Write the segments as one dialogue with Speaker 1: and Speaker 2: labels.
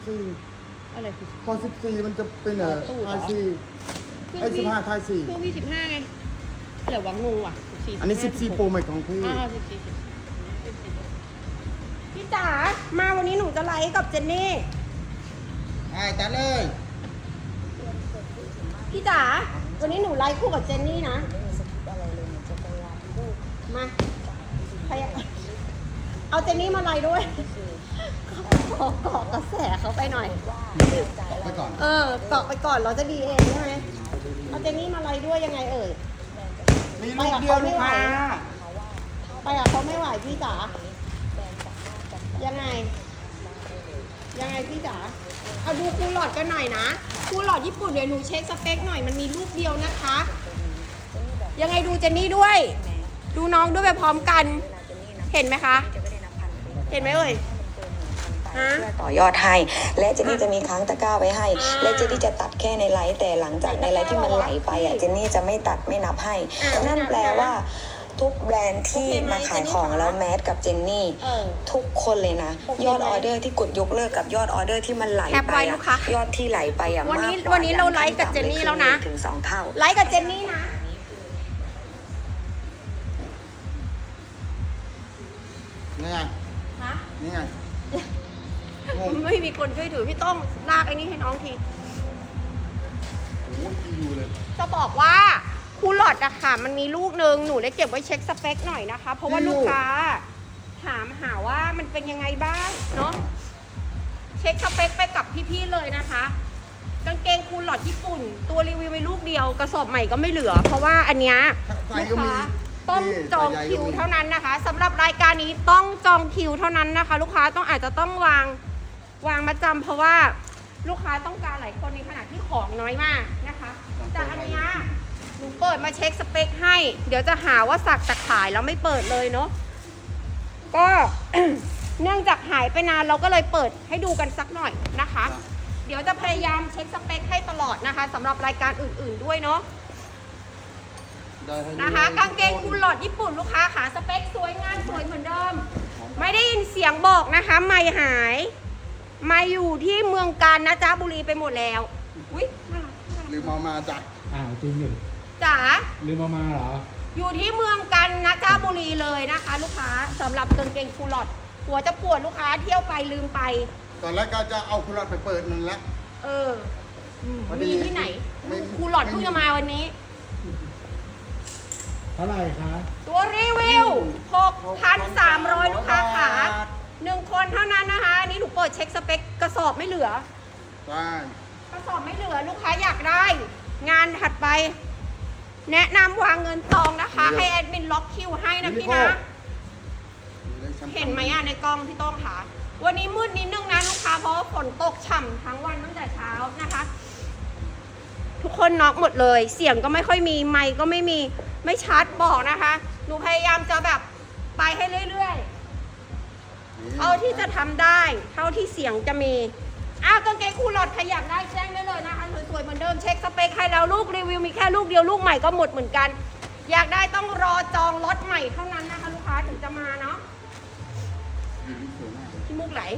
Speaker 1: สี่
Speaker 2: อะไรคือ
Speaker 1: พอ14มันจะเป็นทายสี่ไอ้15ทาย4
Speaker 2: เครื่องพี่15ไงเดี๋ยววังงูอ่ะ
Speaker 1: อันนี้14 Pro Max ของพี่
Speaker 2: พี่จ๋ามาวันนี้หนูจะไลฟ์กับเจนนี่
Speaker 1: จัดเลย
Speaker 2: พี่จ๋าวันนี้หนูไลฟ์คู่กับเจนนี่นะมาใครเอาเจนนี่มาไลฟ์ด้วยขอเกาะกระแสเขาไปหน่อย
Speaker 1: ไปก่อน
Speaker 2: เกาะไปก่อนเราจะดีเองใช่ไหมเอาเจนนี่มาไลฟ์ด้วยยังไงเอ่ย
Speaker 1: มีลูกเดียวลูกค้า
Speaker 2: ไปกับเขาไม่ไหวพี่จ๋ายังไงพี่จ๋าเอาดูคูลหลอดกันหน่อยนะคูลหลอดญี่ปุ่นเดี๋ยวหนูเช็คสเปคหน่อยมันมีลูกเดียวนะคะยังไงดูเจนนี่ด้วยดูน้องด้วยไปพร้อมกันเห็นไหมคะเห็นไหมเอ่ย
Speaker 3: ต่อยอดให้และเจนนี่จะมีค้างตะกร้าไว้ให้และเจนนี่จะตัดแค่ในไลฟ์แต่หลังจากในไลฟ์ที่มันไหลไปอ่ะเจนนี่จะไม่ตัดไม่นับให้นั่นแปลว่าทุกแบรนด์ที่มาขายของแล้วแมสกับเจนนี่ทุกคนเลยนะยอดออเดอร์ที่กดยกเลิกกับยอดออเดอร์ที่มันไหลไปยอดที่ไหลไปอ่ะมากกว่า
Speaker 2: วันนี้เราไลฟ์กับเจนนี่แล้วนะ
Speaker 3: ถึง2 เท่า
Speaker 2: ไลฟ์กับเจนนี่นะ
Speaker 1: นี่ไง
Speaker 2: ฮะ
Speaker 1: นี่ไง
Speaker 2: ไม่มีคนช่วยถือพี่ต้องลากไอ้นี่ให้น้องที
Speaker 1: โอ้ยอยู่เลย
Speaker 2: จะบอกว่าคูลหลอดอะค่ะมันมีลูกนึงหนูได้เก็บไว้เช็คสเปคหน่อยนะคะ เพราะว่าลูกค้าถามหาว่ามันเป็นยังไงบ้างเนาะเช็คสเปคไปกับพี่ๆเลยนะคะกางเกงคูลหลอดญี่ปุ่นตัวรีวิวไปลูกเดียวกระสอบใหม่ก็ไม่เหลือ เพราะว่าอันเนี้ยลูกค้าต้องจองคิวเท่านั้นนะคะสำหรับรายการนี้ต้องจองคิวเท่านั้นนะคะ ลูกค้าต้องอาจจะต้องวางมาจำเพราะว่าลูกค้าต้องการหลายคนในขณะที่ของน้อยมากนะคะแต่อันเนี้ยหนูเปิดมาเช็คสเปคให้เดี๋ยวจะหาว่าสักแต่ขายแล้วไม่เปิดเลยเนาะก็ เนื่องจากหายไปนานเราก็เลยเปิดให้ดูกันสักหน่อยนะคะเดี๋ยวจะพยายามเช็คสเปคให้ตลอดนะคะสำหรับรายการอื่นๆด้วยเนาะนะคะกางเกงคูลหลอดญี่ปุ่นลูกค้าขาสเปคสวยงามสวยเหมือนเดิมไม่ได้ยินเสียงบอกนะคะไม่หายมาอยู่ที่เมืองกาญนะจ๊ะบุรีไปหมดแล้วอุ้ยน่ารัก
Speaker 1: ลืมมาจ้ะ
Speaker 4: จริงอยู่
Speaker 2: จ๋า
Speaker 4: ลืมมาเหรอ
Speaker 2: อยู่ที่เมืองกาญนะจ๊ะบุรีเลยนะคะ ลูกค้าสำหรับกางเกงคูลหลอดหัวจะปวดลูกค้าเที่ยวไปลืมไป
Speaker 1: ตอนแรกก็จะเอาคูลหลอดไปเปิดนั่นแหละ
Speaker 2: มีที่ไหนคูลหลอดเพิ่งจะมาวันนี้
Speaker 4: เท่าไหร่คะ
Speaker 2: ตัวรีวิว 6,300 ลูกค้าขา1 คนเท่านั้นนะคะอันนี้หนูเปิดเช็คสเปคกระสอบไม่เหลือ
Speaker 1: ใช่
Speaker 2: กระสอบไม่เหลือลูกค้าอยากได้ งานถัดไป แนะนำวางเงินซองนะคะให้แอดมินล็อกคิวให้นะพี่นะเห็นไหมในกล้องพี่ต้องค่ะวันนี้มืดนิดนึงนะลูกค้าเพราะฝนตกฉ่ำทั้งวันตั้งแต่เช้านะคะทุกคนน็อกหมดเลยเสียงก็ไม่ค่อยมีไมค์ก็ไม่มีไม่ชัดบอกนะคะหนูพยายามจะแบบไปให้เรื่อยๆเท่าที่จะทำได้เท่าที่เสียงจะมีกางเกงคูลหลอดใครอยากได้แจ้งได้เลยนะคะสวยๆเหมือนเดิมเช็คสเปคให้แล้วลูกรีวิวมีแค่ลูกเดียวลูกใหม่ก็หมดเหมือนกันอยากได้ต้องรอจองล็อตใหม่เท่านั้นนะคะลูกค้าถึงจะมาเนาะที่มุกไหล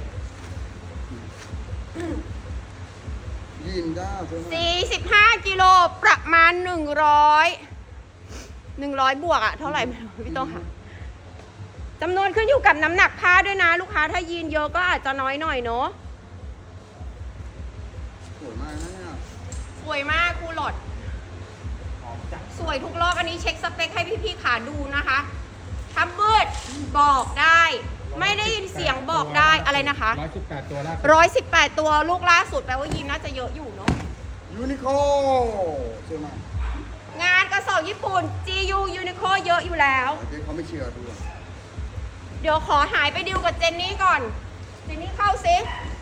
Speaker 1: ยินได้
Speaker 2: 45 กิโลประมาณ100 บวกอะเท่าไหร่ไม่รู้พี่ต้องค่ะจำนวนขึ้นอยู่กับน้ำหนักผ้าด้วยนะลูกค้าถ้ายีนเยอะก็อาจจะน้อยหน่อยเนาะ
Speaker 1: สวยมากนะเนี่ย
Speaker 2: สวยมากคูลหลอดสวยทุกรอบอันนี้เช็คสเปคให้พี่ๆขาดูนะคะทำมืดบอกได้ไม่ได้ยินเสียงบอกได้อะไรนะคะ
Speaker 4: 118 ตัวล่าสุด
Speaker 2: 118 ตัวลูกล่าสุดแปลว่ายีนน่าจะเยอะอยู่เนาะ
Speaker 1: ยูนิโคสวยมาก
Speaker 2: งานกระสอบญี่ปุ่น GU Uniqlo เยอะอยู่แล้ว
Speaker 1: เขาไม่เชื่อดู
Speaker 2: เดี๋ยวขอหายไปดิวกับเจนนี่ก่อนเจนนี่เข้าซิ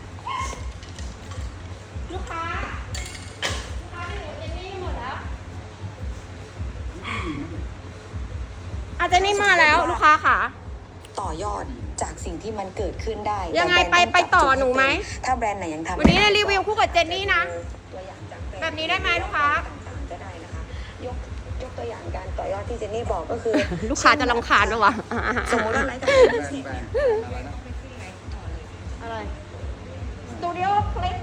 Speaker 2: ลูกค้าไปดิวกับเจนนี่หมดแล้วเจนนี่มาแล้วลูกค้าค่ะ
Speaker 3: ต่อยอดจากสิ่งที่มันเกิดขึ้นได้
Speaker 2: ยังไงไปต่อหนูไหม
Speaker 3: ถ้าแบรนด์ไหนยังทำ
Speaker 2: วันนี้รีวิวคู่กับเจนนี่นะแบบนี้ได้ไหมลูกค้า
Speaker 3: ก็ได้นะคะยกตัวอย่างการต่อยอดที่เจนนี่บอกก็คือ
Speaker 2: ลูกค้าจะรำคาญหรอวะ
Speaker 3: สมมติว่าไลฟ์กับอะไร
Speaker 2: ตูดิโอคลิป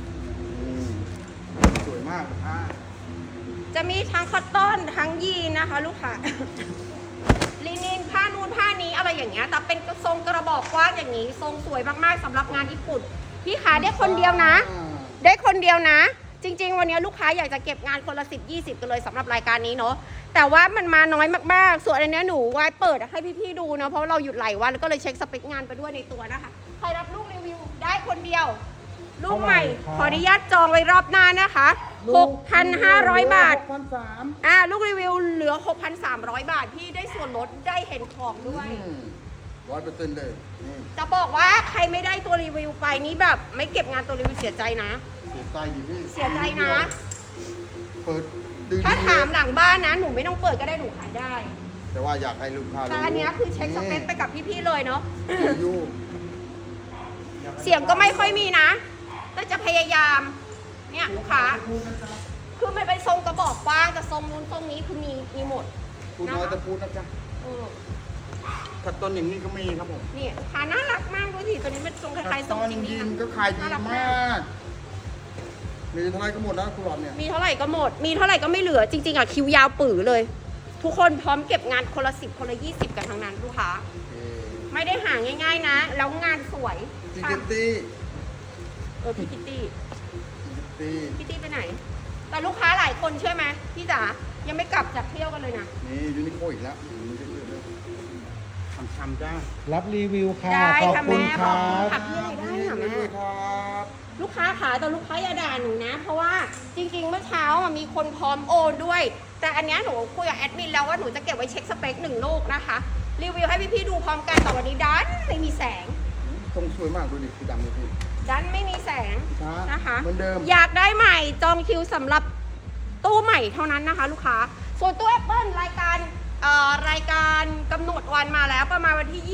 Speaker 1: สวยมากผ้า
Speaker 2: จะมีทั้งคอตตอนทั้งยีนนะคะ ลูกค้า ลินินผ้านูนผ้านี้อะไรอย่างเงี้ยแต่เป็นทรงกระบอกกว้างอย่างนี้ทรงสวยมากๆสำหรับงานญี่ปุ่นพี่ขาได้คนเดียวนะ ได้คนเดียวนะ จริงๆวันนี้ลูกค้าอยากจะเก็บงานคนละ10-20กันเลยสำหรับรายการนี้เนาะแต่ว่ามันมาน้อยมากๆส่วนอันนี้หนูไว้เปิดให้พี่ๆดูเนาะเพราะเราหยุดหลายวันแล้วก็เลยเช็คสเปคงานไปด้วยในตัวนะคะใครรับลูกรีวิวได้คนเดียวลูกใหม่ขออนุญาตจองไว้รอบหน้านะคะ 6,500 บาท
Speaker 1: 6,300
Speaker 2: ลูกรีวิวเหลือ 6,300 บาทพี่ได้ส่วนลดได้เห็นของด้วย
Speaker 1: 100%เลยนี่
Speaker 2: จะบอกว่าใครไม่ได้ตัวรีวิวไปนี่แบบไม่เก็บงานตัวรีวิวเสียใจนะ
Speaker 1: เสียใจดิพี่
Speaker 2: เสียใจนะ
Speaker 1: เปิดดึง
Speaker 2: ถ้าถามหลังบ้านนะหนูไม่ต้องเปิดก็ได้หนูขายได้
Speaker 1: แต่ว่าอยากให้ลูกค้ารู้
Speaker 2: แต่อันเนี้ยคือเช็คสเปคไปกับพี่ๆเลยเนาะ
Speaker 1: อยู่
Speaker 2: เสียงก็ไม่ค่อยมีนะ แต่จะพยายาม เนี่ยลูกค้า คือมันเป็นทรงกระบอกกว้างแต่ทรงนู้นทรงนี้คือมีหมด
Speaker 1: พูดน้อยแต่พูดนะจ๊ะ
Speaker 2: เออ
Speaker 1: ขัดต้นอย่างนี้ก็มีครับผม
Speaker 2: เนี่ยลูกค้าน่ารักมากดูสิตัวนี้เป็นทรงคล้ายๆทรง
Speaker 1: ตอน
Speaker 2: จริง
Speaker 1: ยิ
Speaker 2: ๆ
Speaker 1: น
Speaker 2: อะ
Speaker 1: ก็ขายดี
Speaker 2: น่ารัก
Speaker 1: มาก มีเท่าไรก็หมดนะคุณหลอดเนี่ย
Speaker 2: มีเท่าไหร่ก็หมด มีเท่าไหร่ก็ไม่เหลือ จริงๆอะคิวยาวปื๋อเลย ทุกคนพร้อมเก็บงานคนละ10คนละ20กันทั้งนั้นลูกค้า ไม่ได้หาง่ายๆนะ แล้วงานสวย
Speaker 1: จิกเกตตี้
Speaker 2: พี่คิตตี้
Speaker 1: ตี
Speaker 2: พี่ตี้ไปไหน แต่ลูกค้าหลายคนเชื่อไหมพี่จ๋ายังไม่กลับจากเที่ยวกันเลยนะ
Speaker 1: นี่ยูนิโคอีกแล้วทำจ้า
Speaker 4: รับรีวิวค่ะ
Speaker 2: ได้
Speaker 4: ขอบ
Speaker 2: ค่ะ
Speaker 4: คุณ
Speaker 2: แม่
Speaker 4: ค
Speaker 2: ขอ
Speaker 4: รั
Speaker 2: บคุณ
Speaker 4: บ
Speaker 2: ค่ะพี่อะไรได้ค่ะแม่
Speaker 1: ครับ
Speaker 2: ลูกค้าขาแต่ลูกค้าอย่าด่าหนูนะ เพราะว่าจริงๆเมื่อเช้าอะมีคนพร้อมโอนด้วย แต่อันเนี้ยหนูคุยกับแอดมินแล้วว่าหนูจะเก็บไว้เช็คสเปค1 ลูกนะคะรีวิวให้พี่ๆดูพร้อมกันแต่วันนี้ดันไม่มีแสง
Speaker 1: ทรงสวยมากดูดิสีดำเลยพี่
Speaker 2: ดันไม่มีแสง
Speaker 1: ช้า
Speaker 2: นะคะ
Speaker 1: เหมือนเดิม
Speaker 2: อยากได้ใหม่จองคิวสำหรับตู้ใหม่เท่านั้นนะคะ ลูกค้าส่วนตู้ Apple รายการกำหนดวันมาแล้วประมาณวันที่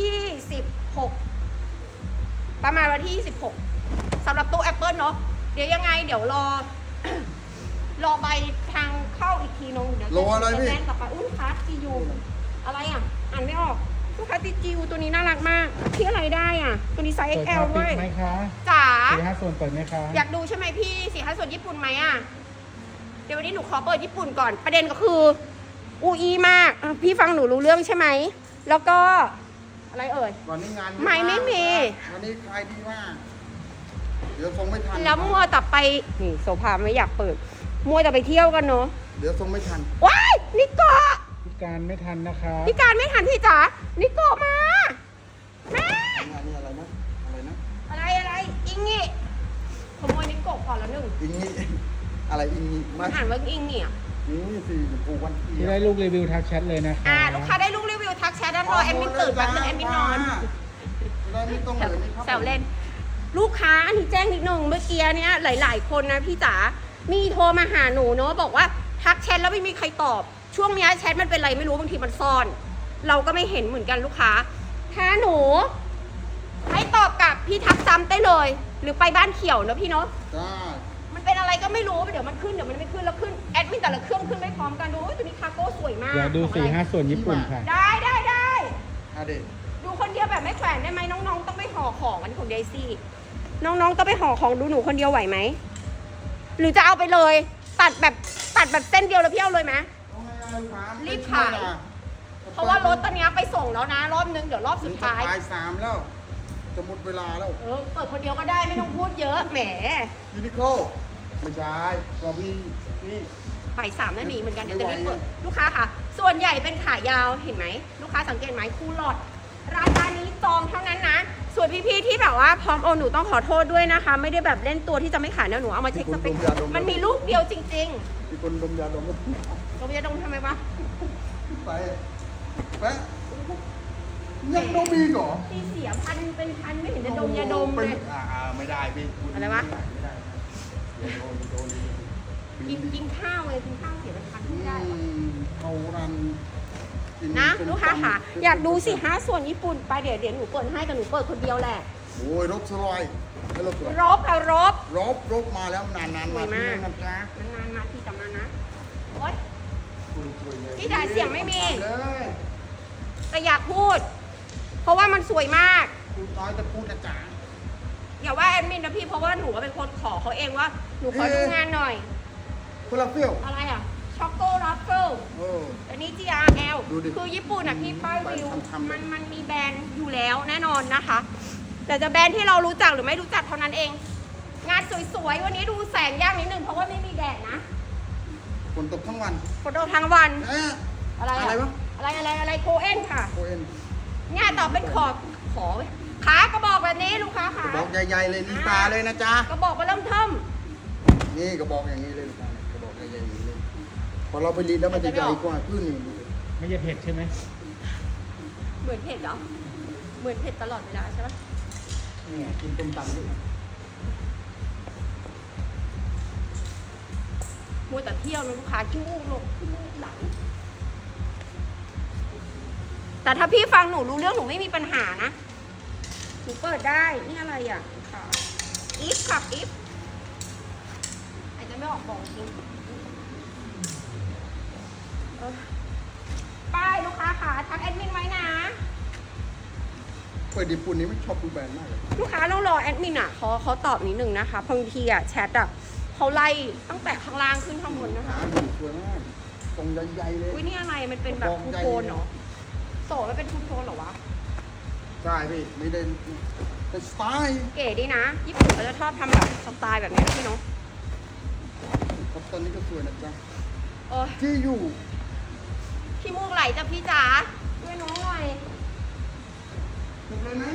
Speaker 2: 26 ประมาณวันที่ 26สำหรับตู้ Apple เนาะเดี๋ยวยังไงเดี๋ยวรอ รอใบทางเข้าอีกทีนึงเดี๋ยว
Speaker 1: รออะไรพี่
Speaker 2: แจ้งต่อไปอุ้ยลูกค้าจียูอะไรอ่ะอ่านไม่ออกลูกค้าจียูตัวนี้น่ารักมากที่อะไรได้อ่ะตัวนี้ไซส์
Speaker 4: เปิด
Speaker 2: XL
Speaker 4: คาปิ
Speaker 2: ด้
Speaker 4: ด
Speaker 2: วย
Speaker 4: ไหมคะ
Speaker 2: จ๋า
Speaker 4: 4-5 ส่วนเปิดไหมคะ
Speaker 2: อยากดูใช่ไหมพี่4-5ส่วนญี่ปุ่นไหมอ่ะ เดี๋ยววันนี้หนูขอเปิดญี่ปุ่นก่อน ประเด็นก็คืออูอีมากพี่ฟังหนูรู้เรื่องใช่ไหม แล้วก็อะไรเอ่ย
Speaker 1: วันนี้งาน
Speaker 2: ไม่มี
Speaker 1: วันนี้ขายดีมาก เดี๋ยวส่งไม่ทัน
Speaker 2: แล้วมัวแต่ไป นี่โซฟาไม่อยากเปิด มัวแต่ไปเที่ยวกันเนาะ
Speaker 1: เดี๋ยวส่งไม่ทัน
Speaker 2: ว้ายนิโกะ
Speaker 4: พิการไม่ทันนะคะ
Speaker 2: พี่การไม่ทันพี่จ๋านิโกะมา แม่
Speaker 1: งานนี้อะไรนะ อะไรนะ
Speaker 2: อะไรอิงงี้ขโมยนิโกะก่อนแล้วหนึ่ง
Speaker 1: อิงนี่อะไรอิงนี่
Speaker 2: มันอ่านว่าอิงงี้อ่ะ
Speaker 1: นี่สิผูกวันเที่
Speaker 4: ที่ได้ลูกรีวิวทักแชทเลยนะคะ
Speaker 2: ลูกค้าได้ลูกรีวิวทักแชทด้านรอแอดมินตื่นแป๊บนึงแอดมินนอน
Speaker 1: ได้ไม่ต้องเหลือนี่ครับ
Speaker 2: แซวเล่น ลูกค้าอันนี้แจ้งนิดนึงเมื่อกี้เนี้ยหลาย ๆ คนนะพี่จ๋ามีโทรมาหาหนูเนาะบอกว่าทักแชทแล้วไม่มีใครตอบ ช่วงเนี้ยแชทมันเป็นไรไม่รู้บางทีมันซ่อน เราก็ไม่เห็นเหมือนกันลูกค้าถ้าหนูให้ตอบกลับพี่ทักซ้ำได้เลย หรือไปบ้านเขียวเนอะพี่เนาะ
Speaker 1: จ้า
Speaker 2: มันเป็นอะไรก็ไม่รู้เดี๋ยวมันขึ้นเดี๋ยวมันไม่ขึ้นแล้วขึ้นแอดมินแต่ละเครื่องขึ้นไม่พร้อมกันดูโอ้ยตัวนี้คาโก้สวยมาก
Speaker 4: อยากดู
Speaker 2: ของอะไร
Speaker 4: 4-5 ส่วนญี่ปุ่นค่ะ
Speaker 2: ได้
Speaker 1: อาเด็ก
Speaker 2: ดูคนเดียวแบบไม่แขวนได้ไหมน้องๆต้องไปห่อของอันนี้ของเดซี่น้องๆต้องไปห่อของดูหนูคนเดียวไหวไหมหรือจะเอาไปเลย ตัดแบบเส้นเดียวแล้วพี่เอาเลยไหม รีบขาย เพราะว่ารถตอนนี้ไปส่งแล้วนะ รอบนึงเดี๋ยวรอบสุดท้าย
Speaker 1: ปลาย3แล้ว จะหมดเวลาแล้ว
Speaker 2: เปิดคนเดียวก็ได้ไม่ต้องพูดเยอะแหม
Speaker 1: ยูนิโคไม่ใช่กอบี้นี่
Speaker 2: ฝ่าย3นั่นหนีเหมือนกันเดี๋ยวจะรีบเปิดลูกค้าค่ะ ส่วนใหญ่เป็นขายาวเห็นไหมลูกค้าสังเกตไหมคูลอดรายการนี้จองเท่านั้นนะ ส่วนพี่ๆที่แบบว่าพร้อมโอนหนูต้องขอโทษด้วยนะคะ ไม่ได้แบบเล่นตัวที่จะไม่ขายนะหนูเอามาเช็คสเปคมันมีลูกเดียวจริง
Speaker 1: มีคนดมยาดม
Speaker 2: ๆเราจะดมทำไมวะ
Speaker 1: ไปแปะยังดมอีกเหรอ
Speaker 2: ตีเสียพันเป็นพันไม่เห็นจะดมยาดมเลย
Speaker 1: ไม่ได้พี่
Speaker 2: อะไรวะ
Speaker 1: ไม่ได้เดี๋ยวโดน
Speaker 2: กินข้าวเลยกินข้าวเสียเป็นพันไม่ได้วะ
Speaker 1: เขารัน
Speaker 2: นะลูกค้าค่ะอยากดูสิ5ส่วนญี่ปุ่นไปเดี๋ยวหนูเปิดให้แต่หนูเปิดคนเดียวแหละ
Speaker 1: โอ้ยรบสลอยไม่รบสลอย
Speaker 2: รบค่ะรบ
Speaker 1: รบมาแล้วนานๆ
Speaker 2: สวยมาก
Speaker 1: นะจ๊ะ
Speaker 2: นานๆมาทีจำนานนะโอ๊ย พี่จ๋าเสียงไม่มี
Speaker 1: เลย
Speaker 2: แต่อยากพูด เพราะว่ามันสวยมาก
Speaker 1: คุณน้อยจะพูดนะจ๊ะ
Speaker 2: อย่าว่าแอดมินนะพี่เพราะว่าหนูก็เป็นคนขอเขาเองว่าหนูขอดูงานหน่อย
Speaker 1: คนละเปรี้ยว
Speaker 2: อะไรอ่ะช็อกโกรัฟเฟิล
Speaker 1: เออ
Speaker 2: อันนี้ GRL
Speaker 1: ดูดิ
Speaker 2: คือญี่ปุ่นอ่ะพี่ป้ายวิว
Speaker 1: ทำๆ
Speaker 2: มันมีแบรนด์อยู่แล้วแน่นอนนะคะ แต่จะแบรนด์ที่เรารู้จักหรือไม่รู้จักเท่านั้นเอง งานสวยๆวันนี้ดูแสงยากนิดนึงเพราะว่าไม่มีแดดนะ
Speaker 1: ฝนตกทั้งวัน
Speaker 2: ฝนตกทั้งวัน
Speaker 1: เอ๊ะ
Speaker 2: อะไร
Speaker 1: อะไรวะ
Speaker 2: อะไรโคเอ็นค่ะ
Speaker 1: โคเอ็น
Speaker 2: เนี่ยต่อเป็นขอขากระบอกแบบนี้ลูกค้าก
Speaker 1: ระ
Speaker 2: ขา
Speaker 1: บอกใหญ่ๆเลยลีตาเลยนะจ๊ะ
Speaker 2: กระบอกมาเริ่มเทิม
Speaker 1: นี่กระบอกอย่างนี้เลยลูกค้าเนี่ยกระบอกใหญ่ๆอย่างนี้เลยพอเราไปรีดแล้วมันจะใหญ่กว่าขึ้นนี่
Speaker 4: ไม่ใช่เผ็ดใช่ไหม
Speaker 2: เหมือนเผ็ดเหรอเหมือนเผ็ดตลอดเวลาใช่ไหม
Speaker 1: นี่กินต้มตำด้วย
Speaker 2: มัวแต่เที่ยวนะลูกค้าขี้มูกลงขี้มูกไหลแต่ถ้าพี่ฟังหนูรู้เรื่องหนูไม่มีปัญหานะหนูเปิดได้นี่อะไรอ่ะค่ะอีฟค่ะอีฟอาจจะไม่ออกบอกจริงป้ายลูกค้าค่ะทักแอดมินไว้นะ
Speaker 1: เปิดญี่ปุ่นนี้ไม่ชอบดูแบรนด์มากเลย
Speaker 2: ลูกค้าต้องรอแอดมินอ่ะเขาตอบนิดนึงนะคะบางทีอ่ะแชทอ่ะเขาไล่ตั้งแต่ข้างล่างขึ้นข้างบนนะคะ
Speaker 1: หาดูสวยมากตรงใหญ่ๆเลย
Speaker 2: อุ้ยนี่อะไรมันเป็นแบบทูโทนเหรอโสดมันเป็นทูโทนเหรอวะ
Speaker 1: ใช่พี่ไม่ได้เป็นสไตล์
Speaker 2: เก๋ดีนะญี่ปุ่นเขาจะชอบทำแบบสไตล์แบบนี้นะพี่เน้อง
Speaker 1: ครับตอนนี้ก็สวยนะจ๊ะ
Speaker 2: เออ
Speaker 1: ที่อยู่
Speaker 2: ขี้มูกไหลจ้ะพี่จ๋าช่วยน้องหน่อย
Speaker 1: ติดเลยไหม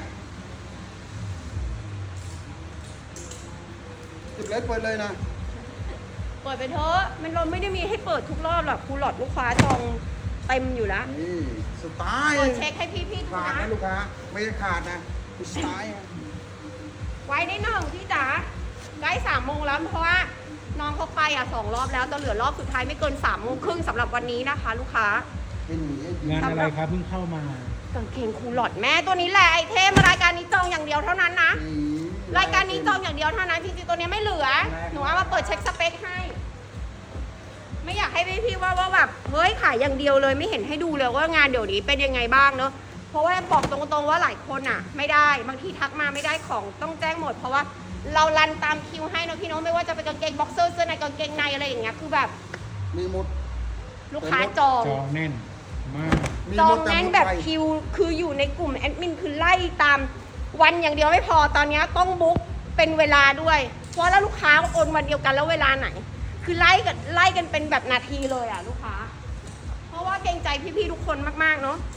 Speaker 1: ติดเลยเปิดเลยนะ
Speaker 2: เปิดไปเถอะมันเราไม่ได้มีให้เปิดทุกรอบหรอกคูหลอดลูกค้าจองเต็มอยู่แล้ว
Speaker 1: นี่สไตล์
Speaker 2: เปิดเช็คให้พี่ดู
Speaker 1: ขาด
Speaker 2: นะ
Speaker 1: นะลูกค้าไม่ได้ขาดนะคือสไตล์อะ
Speaker 2: ไว้ได้หนึ่งพี่จ๋าใกล้3 โมงแล้วเพราะว่าน้องเขาไปอ่ะ2 รอบแล้วจะเหลือรอบสุดท้ายไม่เกิน3 โมงครึ่งสำหรับวันนี้นะคะ ลูกค้า
Speaker 1: เป็นหมีให้ดี
Speaker 4: งานอะไรครับเพิ่งเข้ามาก
Speaker 2: างเกงคูหลอดแม่ตัวนี้แหละไอเทมรายการนี้จองอย่างเดียวเท่านั้นนะ
Speaker 1: สี
Speaker 2: รายการนี้จองอย่างเดียวเท่านั้นจริงๆตัวนี้ไม่เหลือ หนูเอามาเปิดเช็คสเปคให้ ไม่อยากให้พี่ว่าแบบเฮ้ยขายอย่างเดียวเลยไม่เห็นให้ดูเลยว่างานเดี๋ยวนี้เป็นยังไงบ้างเนอะเพราะว่าบอกตรงๆว่าหลายคนอ่ะ ไม่ได้บางทีทักมาไม่ได้ของต้องแจ้งหมด เพราะว่าเรารันตามคิวให้เนอะพี่น้องไม่ว่าจะเป็นกางเกงบ็อกเซอร์เสื้อในกางเกงในอะไรอย่างเงี้ยคือแบบ
Speaker 1: มีหมด
Speaker 2: ลูกค้าจอง
Speaker 4: จองแน่นมาก
Speaker 1: มี
Speaker 2: จ
Speaker 1: ห
Speaker 2: อ
Speaker 1: ม
Speaker 2: ง
Speaker 1: ด
Speaker 2: แน่น
Speaker 1: หมด
Speaker 2: แบบ
Speaker 1: ไป
Speaker 2: คิวคืออยู่ในกลุ่มแอดมินคือไล่ตามวันอย่างเดียวไม่พอตอนนี้ต้องบุ๊กเป็นเวลาด้วยเพราะแล้วลูกค้าโอนวันเดียวกันแล้วเวลาไหน คือไล่กันเป็นแบบนาทีเลยอ่ะลูกค้า เพราะว่าเกรงใจพี่ๆทุกคนมากๆเนาะ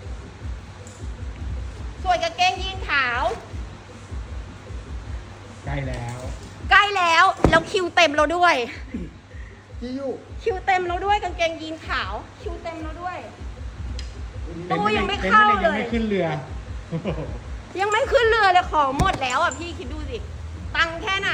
Speaker 2: ส่วนกางเกงยีนขาว
Speaker 4: ใกล้แล้ว
Speaker 2: ใกล้แล้วคิวเต็มแล้วด้วย
Speaker 1: ที่อยู่
Speaker 2: คิวเต็มแล้วด้วยกางเกงยีนขาว คิวเต็มแล้วด้วย ตู้ยังไม่เข้าเลย
Speaker 4: ยังไม่ขึ้นเรือโอ้โห
Speaker 2: ยังไม่ขึ้นเรือเลยของหมดแล้วอ่ะพี่คิดดูสิตังค์แค่ไหน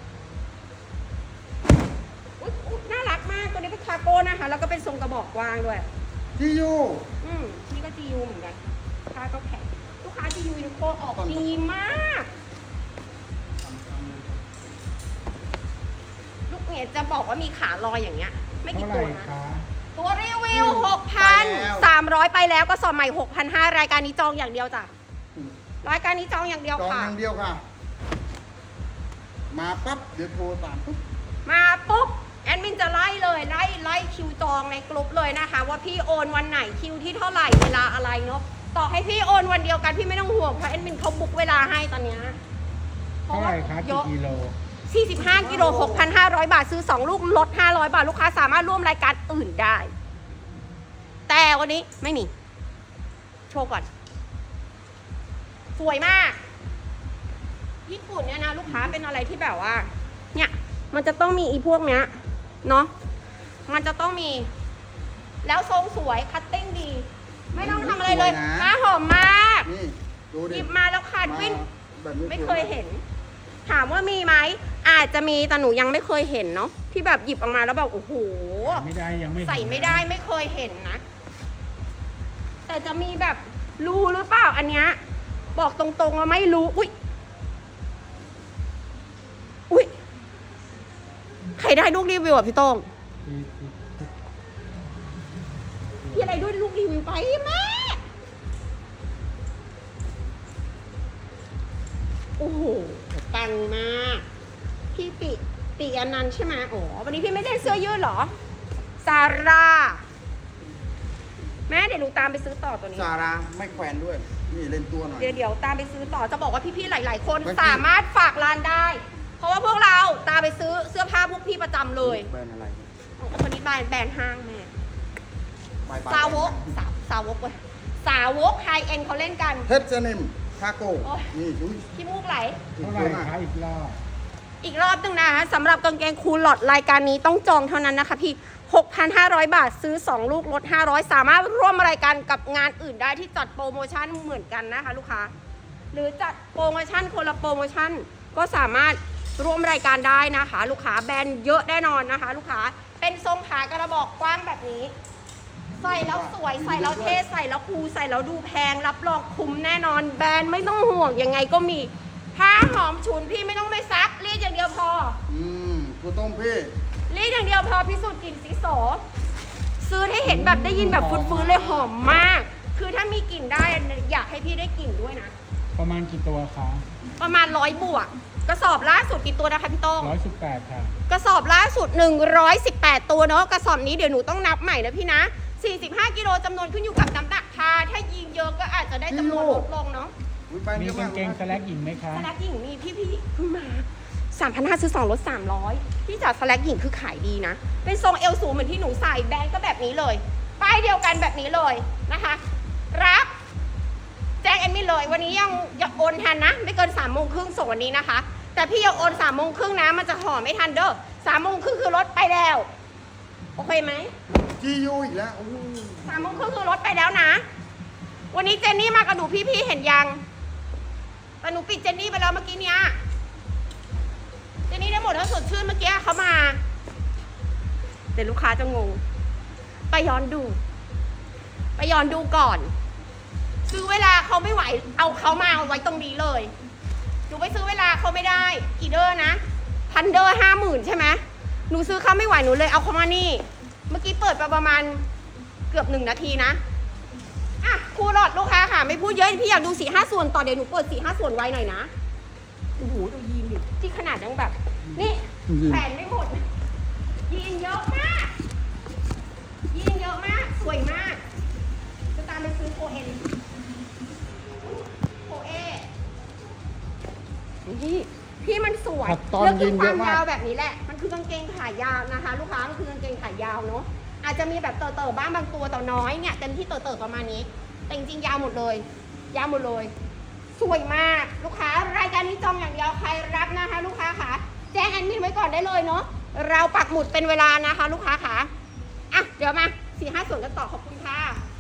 Speaker 2: อุ๊ยน่ารักมากตัวนี้เป็นคาร์โก้นะคะ แล้วก็เป็นทรงกระบอกกว้างด้วย
Speaker 1: ที่อยู่
Speaker 2: นี่ก็ GU เหมือนกันค่าก็แข็งลูกค้า GU ยูนิโคออกดีมาก ลูกเนี่ยจะบอกว่ามีขาลอยอย่างเงี้ย ไม่
Speaker 4: เท่า
Speaker 2: กี่
Speaker 4: ไห
Speaker 2: ตั
Speaker 4: ร่
Speaker 2: วนะ
Speaker 4: คะ
Speaker 2: ตัวรีวิว 6,300 ไปแล้วก็สอบใหม่ 6,500 รายการนี้จองอย่างเดียวจ้ะรายการนี้จองอย่างเดียว
Speaker 1: จอง
Speaker 2: ค่ะ
Speaker 1: อย่างเดียวค่ะ มาปั๊บเดี๋ยวโทรตามปุ๊บ
Speaker 2: มาปุ๊บแอดมินจะไล่เลยไล่คิวจองในกลุ่มเลยนะคะ ว่าพี่โอนวันไหนคิวที่เท่าไหร่เวลาอะไรเนาะต่อให้พี่โอนวันเดียวกันพี่ไม่ต้องห่วงเพราะแอดมินเขาบุ๊กเวลาให้ตอนเนี้ย
Speaker 4: เท่าไหร่คะ
Speaker 2: เย
Speaker 4: กี่
Speaker 2: อะ
Speaker 4: กิโล
Speaker 2: 45 กิโล 6,500 บาทซื้อ 2 ลูกลด 500 บาท ลูกค้าสามารถร่วมรายการอื่นได้ แต่วันนี้ไม่มี โชว์ก่อน สวยมาก ญี่ปุ่นเนี่ยนะลูกค้าเป็นอะไรที่แบบว่า เนี่ยมันจะต้องมีอีพวกเนี้ยเนาะมันจะต้องมี แล้วทรงสวยคัตติ้งดี ไม่ต้องทำอะไรเลยหน้าหอมมาก
Speaker 1: นี่ดู
Speaker 2: ห
Speaker 1: ดิ
Speaker 2: ยิบมาแล้วขาดวิ่น
Speaker 1: แบบนี้
Speaker 2: ไม่เคยเห็น ถามว่ามีไหมอาจจะมีแต่หนูยังไม่เคยเห็นเนาะที่แบบหยิบออกมาแล้วแบบโอ้โห
Speaker 4: ไม่ได้ยังไม่
Speaker 2: ใส่ไม่ได้ไม่เคยเห็นนะ แต่จะมีแบบรู้หรือเปล่าอันเนี้ยบอกตรงๆว่าไม่รู้อุ้ยอุ้ยใครได้ลูกรีวิวอ่ะพี่โต้งพี่อะไรด้วยลูกรีวิวไปแม่โอ้โหปังมากพี่ปิอนันต์ใช่ไหมโอ้วันนี้พี่ไม่ได้เสื้อยืดเหรอซาร่าแม่เดี๋ยวหนูตามไปซื้อต่อตัวนี้
Speaker 1: ซาร่าไม่แขวนด้วย นี่เล่นตัวหน่อย
Speaker 2: เดี๋ยวตามไปซื้อต่อจะบอกว่าพี่ๆหลายๆคน
Speaker 1: ไม่
Speaker 2: สามารถฝากร้านได้ เพราะว่าพวกเราตามไปซื้อเสื้อผ้าพวกพี่ประจำเลย
Speaker 1: แบรนด์อะไร
Speaker 2: คนนี้แบรนด์ห้างแม่
Speaker 1: บายบาย
Speaker 2: สาวกสาวกเว้ยสาวกไฮเอ็นเขาเล่นกัน
Speaker 1: เฮดเซนิมคาโก้
Speaker 2: โอ้ย
Speaker 1: นี่ดู
Speaker 2: ขี้มูกไหล
Speaker 4: เท่าไหร่คะอีกรอบ
Speaker 2: อีกรอบหนึงนะคะสำหรับกางเกงคูลลอตรายการนี้ต้องจองเท่านั้นนะคะพี่ 6,500 บาทซื้อ 2 ลูกลด 500 สามารถร่วมรายการกับงานอื่นได้ที่จัดโปรโมชั่นเหมือนกันนะคะลูกค้าหรือจัดโปรโมชั่นคนละโปรโมชั่นก็สามารถร่วมรายการได้นะคะ ลูกค้าแบรนด์เยอะแน่นอนนะคะ ลูกค้าเป็นทรงขากระบอกกว้างแบบนี้ ใส่แล้วสวยใส่แล้วเท่ใส่แล้วคูลใส่แล้วดูแพงรับรองคุ้มแน่นอนแบรนด์ไม่ต้องห่วงยังไงก็มีผ้าหอมฉุนพี่ไม่ต้องไปซักรีดอย่างเดียวพอ
Speaker 1: กูต้มพี่
Speaker 2: รีดอย่างเดียวพอพิสูจน์กลิ่นสีโสซื้อให้เห็นแบบได้ยินแบบฟื้นๆเลยหอมมาก คือถ้ามีกลิ่นได้อยากให้พี่ได้กลิ่นด้วยนะ
Speaker 4: ประมาณกี่ตัวคะ
Speaker 2: ประมาณ100 บวก กระสอบล่าสุดกี่ตัวนะคะพี่โต้ง
Speaker 4: 118ค่ะ
Speaker 2: กระสอบล่าสุด118ตัวเนาะกระสอบนี้เดี๋ยวหนูต้องนับใหม่นะพี่นะ45 กิโลจำนวนขึ้นอยู่กับน้ำหนักพาถ้ายิงเยอะก็อาจจะได้จำนวนลดลงเนาะ
Speaker 1: อุ๊ยไป
Speaker 4: มี
Speaker 1: เยอะ
Speaker 4: กางเกงสแลกหญิงไหมคะ
Speaker 2: สแลกหญิงมีพี่เพิ่งมา 3,500 ซื้อ 2 ลด 300พี่จ๋าสแลกหญิงคือขายดีนะ เป็นทรงเอวสูงเหมือนที่หนูใส่แบรนด์ก็แบบนี้เลย ป้ายเดียวกันแบบนี้เลยนะคะ รับ แจ้งแอดมินเลย วันนี้ยังโอนทันนะ ไม่เกิน3 โมงครึ่งส่งวันนี้นะคะ แต่พี่ยังโอน3 โมงครึ่งนะ มันจะห่อไม่ทันเด้อ3 โมงครึ่งคือรถไปแล้ว โอเคไหม
Speaker 1: จียูอีกแล้วโอ้โห
Speaker 2: 3 โมงครึ่งคือรถไปแล้วนะ วันนี้เจนนี่มากับหนูพี่ๆเห็นยัง แต่หนูปิดเจนนี่ไปแล้วเมื่อกี้เนี้ย เจนนี่ได้หมดถ้าสดชื่นเมื่อกี้เขามาเดี๋ยวลูกค้าจะงง ไปย้อนดูก่อน ซื้อเวลาเขาไม่ไหว เอาเขามาเอาไว้ตรงนี้เลยหนูไปซื้อเวลาเขาไม่ได้กี่เดอร์นะพันเดอร์50,000ใช่ไหมหนูซื้อเขาไม่ไหวหนูเลยเอาเขามานี่ เมื่อกี้เปิดไปประมาณเกือบ1 นาทีนะอ่ะครูหลอดลูกค้าค่ะไม่พูดเยอะพี่อยากดู4-5 ส่วนต่อเดี๋ยวหนูเปิด4-5 ส่วนไว้หน่อยนะโอ้โหดูยีนดิที่ขนาดยังแบบ นี่แผ่นไม่หมดยีนเยอะมากยีนเยอะมากสวยมากจะตามไปซื้อโคเอ็นโคเอนี่พี่มันสวย
Speaker 1: ขัดตอน
Speaker 2: แล้วคื
Speaker 1: ยิน
Speaker 2: ค
Speaker 1: เย
Speaker 2: วา
Speaker 1: อะ
Speaker 2: ม
Speaker 1: มาก
Speaker 2: ยาวแบบนี้แหละมันคือกางเกงขายาวนะคะ ลูกค้ามันคือกางเกงขายาวเนาะอาจจะมีแบบเต่อๆบ้างบางตัวแต่น้อยเนี่ยเต็มที่เต่อๆประมาณนี้แต่จริงๆยาวหมดเลยยาวหมดเลย สวยมากลูกค้ารายการนี้จองอย่างเดียวใครรับนะคะ ลูกค้าค่ะแจ้งแอดมินไว้ก่อนได้เลยเนาะเราปักหมุดเป็นเวลานะคะ ลูกค้าค่ะอ่ะเดี๋ยวมา4-5 ส่วนกันต่อขอบคุณค่ะ